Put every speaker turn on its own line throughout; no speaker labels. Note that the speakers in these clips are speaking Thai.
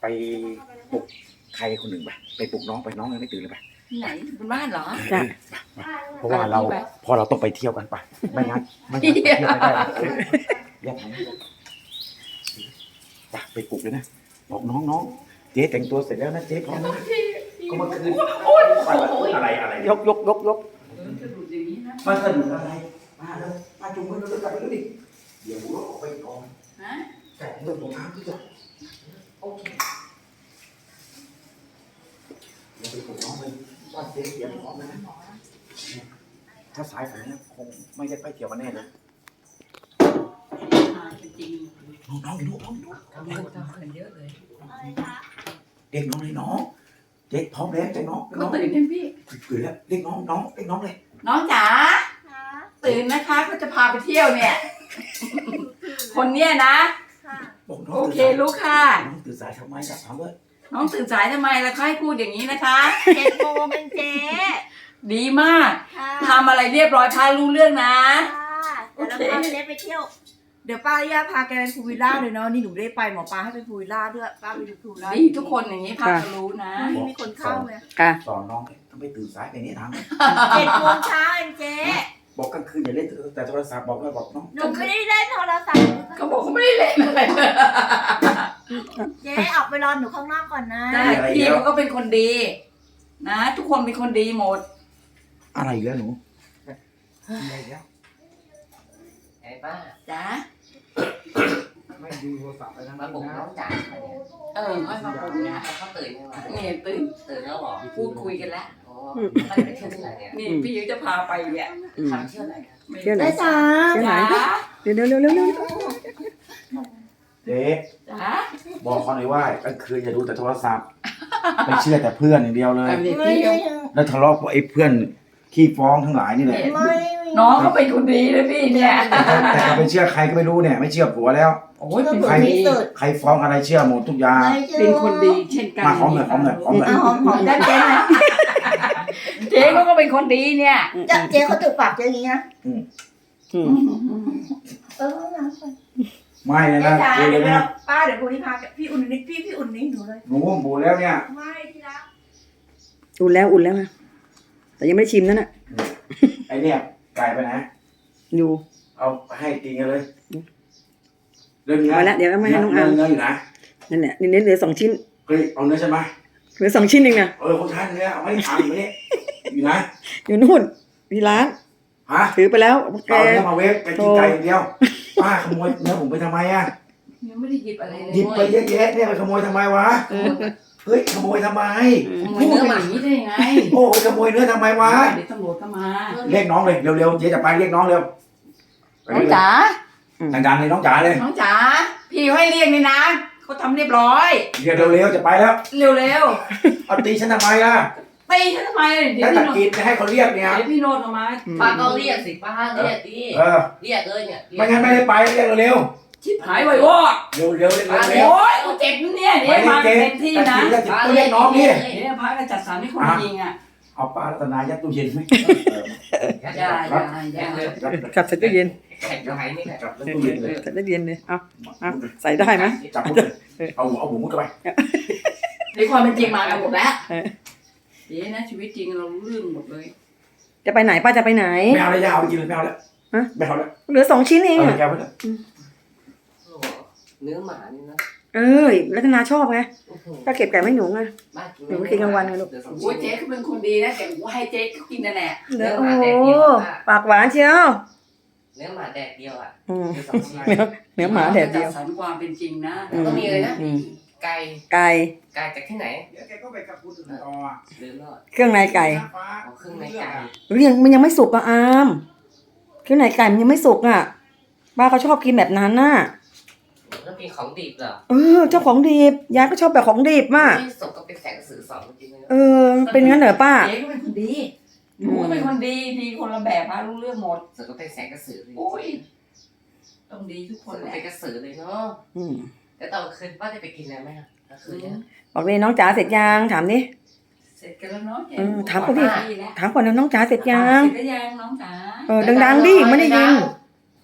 ไปปลุกใครคนหนึ่งไปปลุกน้องไปน้องยังไม่ตื่นเลยไป
ไหนบนบ้านเหรอ
จ้ะ
เพราะว่าเราพอเราต้องไปเที่ยวกันไปไม่งั้นไปเที่ยวไม่ได้แยกทางไปปลุกเลยนะบอกน้องเจ๊แต่งตัวเสร็จแล้วนะเจ๊พร้อมนะก็เมื่อคืนอะไรยก
จะดูอย่างนี้นะ
มาสนุกอะไรมาแล้วมาจุ่มกันแล้วกลับไปดิเดี๋ยวเราออกไปก่อน
ฮะ
แต่เรื่องของทางที่จะโอเคเดี๋ยวไปปลุกน้องเลยว่าเจ๊เตรียมพร้อมแล้วนะถ้าสายฝนเนี่ยคงไม่ได้ไปเที่ยวกันแน่นะ
จริง
น้องอยู่ดู
ๆทำเงินทำเงินเยอะเลย
เด็กน้องเลยน้องเจ๊พร้อมแล้วเจ๊น้อง
ก็ตื่นกันพี่
ตื่นแล้วเด็กน้องเลย
น้องจ๋าตื่นนะคะก็จะพาไปเที่ยวเนี่ย คนเนี้ยนะ
บอกน้อง
โอเครู้ค่ะ
น้องตื่นสายทำไมกับถามว่า
น้องตื่นสายทำไมล่ะคะให้พูดอย่างนี้นะคะ
7 โมงเป็นเจ๊
ดีมาก
ค่ะ
ทำอะไรเรียบร้อยพารู้เรื่องนะ
เดี๋ยวเราพาไปเล็กไปเที่ยว เดี๋ยวป้าย่าพาแกไปพูลวิลล่าเลยเนาะนี่หนูได้ไปหมอปลาให้ไปพูลวิลล่าด้วยป้าไปดูพูลวิลล่า
ดีทุกคนอย่างนี้พาจะรู้นะ
ไม่มีคนเข้าเลย
ค่ะ
สอนน้องทำไมตื่นสายไปนี้ท
7 โมงเช้าเองเจ๊
ำบอกกลางคืนอย่าเล่นแต่โทรศัพท์บอกน้อง
หนูไม่ได้เล่นโทรศัพท์
เขาบอกเขาไม่ได้เล่นอะไร
เจ๊ออกไปรอหนูข้างนอกก่อนนะ
ได้พี่เขาก็เป็นคนดี นะ ทุกคนเป็นคนดีหมด
อะไรอีกแล้วหนูอะไรอีกแล้ว
ไอ้ป้า
จ้า
ไม่ดูโทรศัพท์ไปทั้ง
มา
นั้น
ปลุกน้
นะ
องจ๋าเนี่ย
ค่อยมาปลุกนะ
เขาตื่นยังไง
เนี่ยตื่น
ตื่นแล้วเหรอ
พูดคุยกันแล้ว
อ๋อไปไปเที่ยวที่ไหนเนี่ย
นี่พี่เขาจะพาไปเนี่ย
ทำเที่ยวไหนกัน
เที่ยวไหน
ได้จ้า
เที่ยวไหน
จ้า
เร็วเร็ว
เจ๊
จ้า
บอกเขาหน่อยว่ากลางคืนอย่าดูแต่โทรศัพท์ไม่เชื่อแต่เพื่อนอย่างเดียวเลย
เอาดิ
ไม่
พี่
ได้
แล้วทะเลาะกับไอ้เพื่อนขี้ฟ้องทั้งหลายนี่แหละ
ไม่
น้องเขาเป็นคนดีนะพี่เนี่ย
แต่ก็ไม่เชื่อใครก็ไม่รู้เนี่ยไม่เชื่อผัวแล้ว
โอ้ยเป็น
ค
คน น
ที่
ดี
สุด
ใครฟ้องอะไรเชื่อหมดทุกอย่าง
เป็นคนดีเช่นกัน
มาหอมหน่อยหอมหน่อยหอมหน่อย
เอาหอมๆได้เจ๊นะ
เจ๊เขาก็เป็นคนดีเนี่ย
เจ๊เขาตึกปากเจ๊อย่างนี้นะ
อืม
น้ำก่อน
ไม่เลย
เจ๊
นะ
จ๋า
เจ๊เล
เดี๋ย
ยว นะ
ป้าเดี๋ยวพรุ่งนี้พาพี่อุ่นนิดพี่อุ่นนิดหนูเลย
หนูบูแล้วเนี่ย
ไม่ที่รัก
อุ่นแล้วนะแต่ยังไม่ได้ชิมนั่นน่ะ
ไอเนี่ยไก่ไปไหน
อยู่
เอาให้กินกันเลยเรื่องนี้
มาแล้วเดี๋ยวเอามาให้น้องอาร์ม
เนื้ออยู่นะ
นั่นแหละนี่เหลือ2 ชิ้น
เฮ้ยเอาเนื้อใช่ไหม
เหลือ2 ชิ้นเองนะ
คนทานเนื้อเอาไม่ได้ทำไม่ได้อยู่นะ
อยู่นู่นที่ร้าน
ฮะ
ถือไปแล้วแก
เอาเนื้อมาเวฟไปกินไก่อย่างเดียวป้าขโมยเนื้อผมไปทำไมอ่ะ
ยังไม่ได้หยิบอะไรเลย
หยิบไปเยอะแยะเนี่ยไปขโมยทำไมวะเฮ้ยขโมยทำไม
ขโมยเนื้อหมาอย่างนี้ได้ยังไง
โอ้ขโมยเนื้อทำไมวะ
เดี๋ยวตำรวจก็มา
เรียกน้องเลยเร็วๆเจ๊จะไปเรียกน้องเร็ว
น้องจ๋า
ดังๆเลยน้องจ๋าเลย
น้องจ๋าพี่ให้เรียกนี่นะเขาทำเรียบร้อย
เรียกเร็วๆจะไปแล้ว
เร็ว
เอาตีฉันทำไมล่ะ
ๆตีฉันทำไมเดี๋ยว
ถ้า
พี่
ตะ
โนด
กิดจะให้เขาเรียกเนี่ย
เดี๋ยวพี่โนดเอามา
ป้าก็เรียกสิป้าเรียกดิ
เออ
เรียกเลยเนี่ย
ไม่งั้นไม่ได้ไปเรียกเร็ว
ชิบหายไว้วอด
ๆเร็วๆเร็วๆเร็ว
โอ้ยกูเจ็บเนี่ย
ๆ
เดี๋ยวมาเต็มที่นะ
ตะกิดต้องเรียกน้องดิ
เดี๋ยวพระก็จัดสรรให้คนยิงอ่ะ
เอาปลารัตนายัดตู้เย็นไหม
อย่า
กลับใส่ตู้เย็น
แข่งกับใครนี่แหละ
จับตู้เย็นเลย
ใส่ตู้เย็นเลยเอาใส่ได้ไหม
จับมุดเลยเอาหัวมุดเข้าไป
ในความเป็นจริงมากันหมดแล้วเดี๋ยวนะชีวิตจริงเรารู้เรื่องหมดเลย
จะไปไหนป้าจะไปไหน
ไม่เอาเลยยาวไปกินเลยไม่เอาแล้วไม่เอาแล้ว
เหลือ2 ชิ้นเอง
เอา
อะ
แก้วไปเลย
โอ้โหเนื้อหมานี่นะ
รัตนาชอบไง
โอ้โห
ก็เก็บไก่ไม่หนูไง
ป้า
หนูกินกลางวันไงลูก
เดี๋ยวสอง
โอ้ย
ชิ้
เจ๊
น
เขาเป็นคนดีนะแต่กูให้เจ๊เขากินนั่นแหละ
โอ้ปากหวานเชียว
เนื้อหมาแดดเดียวอ่ะ
อืม
เดี๋ยวสองชิ้น
เนื้อหมาแดดเดียว
จัดสรรความเป็นจริงนะ
แล้วก็มีเลยนะไก่
ไก่
ไก่จากที่ไหน
เดี๋ยวแกก็ไปกับคุณต่อ
ลืมแล้ว
เครื่องในไก่
เอาเครื่องในไก่
มันยังไม่สุกอ่ะอามเครื่องในไก่มันยังไม่สุกอ่ะป้าเขาชอบกินแบบนั้นน่ะ
แล้วมีของดิบเหรอ
เจ้าของดิบยายก็ชอบแบบของดิบมาก
ที่ศพก็เป็นแสงสื่อสองจริงๆเลย
เป็นงั้นเหรอป้า
เจ๊ก็เป็นคนดีหนูก็เป็นคนดีดีคนละแบบพารู้เรื่องหมด
ศพก็เป็นแสงกระสือเลย
โอ้ยต้องดีทุกค
ศ
น
พก็
แหละ
เป็นกระสือเลยเนาะ
อืม
แล้วตอนคืนป้าจะไปกินอะไรไหมอ่ะกลางคืนเนี่ย
บอกเลยน้องจ๋าเสร็จยังถามดิ
เสร็จกันแล้วเนาะเจ๊
ถามเขาดิ
ดีแล้ว
ถามก่อนนะน้องจ๋าเสร็จยัง
เสร็จแล้วยังน้องจ๋า
ดังๆดิไม่ได้ยิน
ห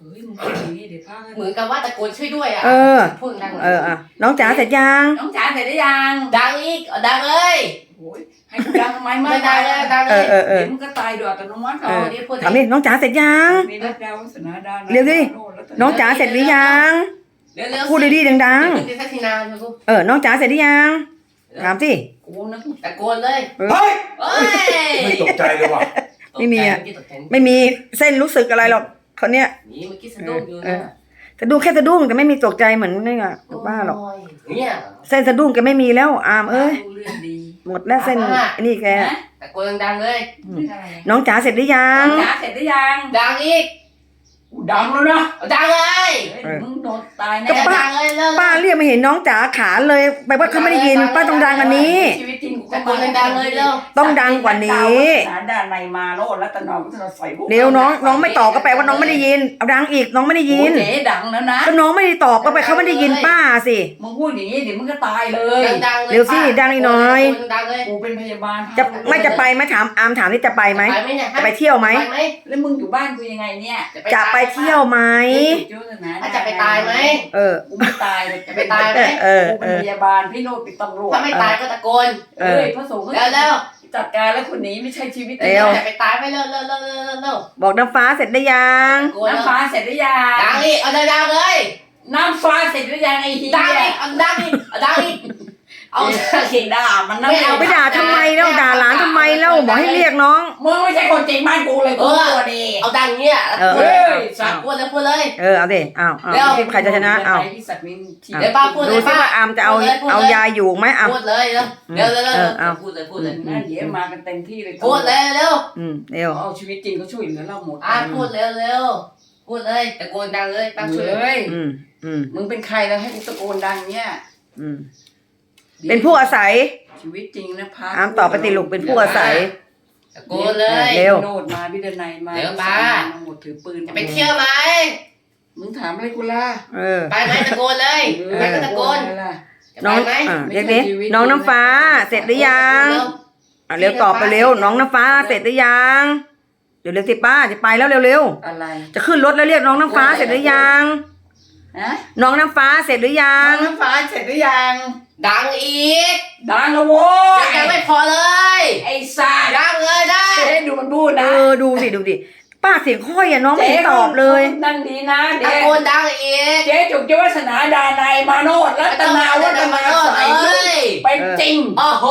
เฮ้ยมึงพูดอย่างนี้เดี๋ยวป้า
เหมือนกับว่าตะโกนช่วยด้วยอ่ะ
เออ
พูดดังหน่อย
อ่ะน้องจ๋าเสร็จยัง
น้องจ๋าเสร็จหรือยัง
ดังอีกดังเลย
โอ้ยให้กูดังทำไม
ไม่ดังเลยดัง
เอ
เล
อย เออ
เดี๋ยวมึงก็ตายโดยอัตโนมัติ
เอาดิพูด
ถามดิน้องจ๋าเสร็จยัง
มีรัตดาวาสนาดา
เร็วดิ น้องจ๋าเสร็จหรือยัง
เร็วๆ
พูดดีๆดัง
ๆสักทีนานลูก
ๆน้องจ๋าเสร็จหรือยังถามสิ
กูนะ
ตะโกนเลย
เฮ้ย
เอ้ย
ไม่ตกใจเลยว่ะ
ไม่มีอะ
เมื่อกี้ตกใจ
ไม่มีเส้นรู้สึกอะไรหรอกคนเนี้ย
นี่เมื่อกี้สะดุ้งอยู่นะ
สะดุ้งแค่สะดุ้งแต่ไม่มีตกใจเหมือนนี่ไงบ้าหรอก
โเนี่ย
เส้นสะดุ้งแกไม่มีแล้วอามเอ้ย
รู้เรื่องดี
หมดแล้วเส้นไอ้นี่แก
นะ
ตะโกนดังๆเลย
เรื่องอะไร
น้องจ๋าเสร็จหรือยั
น้
ง
องจ๋าเสร็จหรือยัง
ดังอีก
กูดังแล้วนะ
เอาดังเลย
เฮ้ยมึงโดนตายแน่
ก็ป้า
ดังเลยเร็ว
ป้าเรียกไม่เห็นน้องจ๋าขาเลยแปลว่าเขาไม่ได้ยินป้าต้องดังกว่านี้
ชีวิตจริงกู
ตะโกนดังๆเลยเร็ว
ต้องดังกว่านี้
สารด้านในมาโนรัตนวัฒนใส่บุก
เดี๋ยวน้องไม่ตอบก็แปลว่าน้องไม่ได้ยินเอาดังอีกน้องไม่ได้ยิน
โอ้เจ๊ดังแล้วนะ
ก็น้องไม่ได้ตอบก็แปลเขาไม่ได้ยินป้าสิ
มึงพูดอย่างนี้เดี๋ยวมึงก็ตายเลย
ดังๆเลย
เร็วสิดังอีกหน่อย
ดังเลย
กูเป็นพยาบาล
จะไม่จะไปไหมถามอามถามนี่จะไปไหม
ไปไหมเนี่ย
จะไปเที่ยวไหม
ไปไหม
แล้วมึงอยู่บ้านกูยังไงเนี่ย
จะไปเที่ยวไหม
จะไปตายไหม
เออ
กูไม่ตายเลย
จะไปตายไหม
กูเป็นพยาบาลพี่โนดเป็นตำรวจ
ถ้าไม่ตายก็ตะโกน
เอ้ยพระสงฆ์
เร็ว
จัดการแล้วคนนี้ไม่ใช่ชีวิต
เร็ว
จะไปตายไปเร็วๆๆๆ
บอกน้ำฟ้าเสร็จได้ยัง
ตะโกน
น้ำฟ้าเสร็จหรือยัง
ดังอีกเอาดังๆเลย
น้ำฟ้าเสร็จหรือยังไอ้เหี้ย
ดังอีกเอาดังอีกเอาดังอีกเอา
เขียนด่ามันนะ
ไม่เอา
ไปด่าทำไมแล้วด่าหลานทำไมแล้วบอกให้เรียกน้อง
มึงไม่ใช่คนจริงบ้านกูเลยกูตัวดี
เอาดังเงี้ย
เออ
เฮ้ย
สักพูดเลยพูดเลย
เอาดิเอา
เร็ว
ใครจะชนะเอา
พี่ศักดิ์นินที
เดี๋ยวป้าพูดเลย
ดูซิว่าอามจะเอายาอยู่ไหมอาม
พูดเลยเร็ว
เอา
พูดเลยพูดเลย
นั่นเดี๋ยวมากันเต็มที่เลย
พูดเลยเร็ว
เร็ว
เอาชีวิตจริงเขาช่วยเหลือเราหมด
พูดเร็วพูดเลยตะโกนดังเลยตั้งช่วย
เฮ้ย
อืม
มึงเป็นใครแล้วให้กูตะโกนดังเนี่ย
เป็นผู้อาศัย
ชีวิตจริงนะพา
อามตอบไปติลูกเป็นผู้อาศัย
ตะโกนเลย
เร็ว
โนดมาพิดนัยมา
เร็วป้า
มาหมดถือปืน
จะไปเที่ยวไหม
มึงถามอะไรกูล่ะ
ไปไหมตะโกนเลยไปก็ตะโกน
อะไรล่ะ
น้องเรียกดิน้องน้ำฟ้าเสร็จหรือยังเร็วตอบไปเร็วน้องน้ำฟ้าเสร็จหรือยังเร็วสิป้าจะไปแล้วเร็ว
อะไร
จะขึ้นรถแล้วเรียกน้องน้ำฟ้าเสร็จหรือยัง
ฮะ
น้องน้ำฟ้าเสร็จหรือยั
น้อง งน้ำฟ้าเสร็จหรือยัง
ดังอีก
ดังแล้วโว้ย
ยังไม่พอเลย
ไอ้สัตว์
ดังเลยได้
เจ๊ดูมันพูดนะ
ดูสิป้าเสียงค่อยน้องไม่เห็นตอบเลย
นั่งดีนะ
ตะ
เด็ก
โกนดังอีก
เจ๊จุกเจ้าวาสนาดานัยมาโนดรัตนาวัฒนาใส
เอ้ย
เป็นจริง
โอ้โห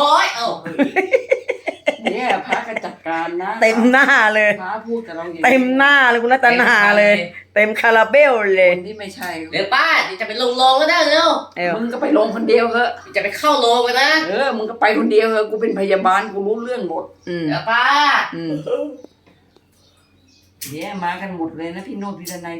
เนี่ยพระก็จัดการนะ
เต็มหน้าเลย
พระพูดกับเราอย่างนี้
เต็มหน้าเลยคุณรัตนาเลย เต็มคาราเบลเลย
คนที่ไม่ใช่
เดี๋ยวป้าจะไปลงโรงก็ได้เร็ว
มึงก็ไปลงคนเดียวเถอะ
จะไปเข้าโรงกันนะ
มึงก็ไปคนเดียวเถอะกูเป็นพยาบาลกูรู้เรื่องหมด
เดี๋ยวป้า
เนี่ยมากันหมดเลยนะพี่โนดพี่ดนัย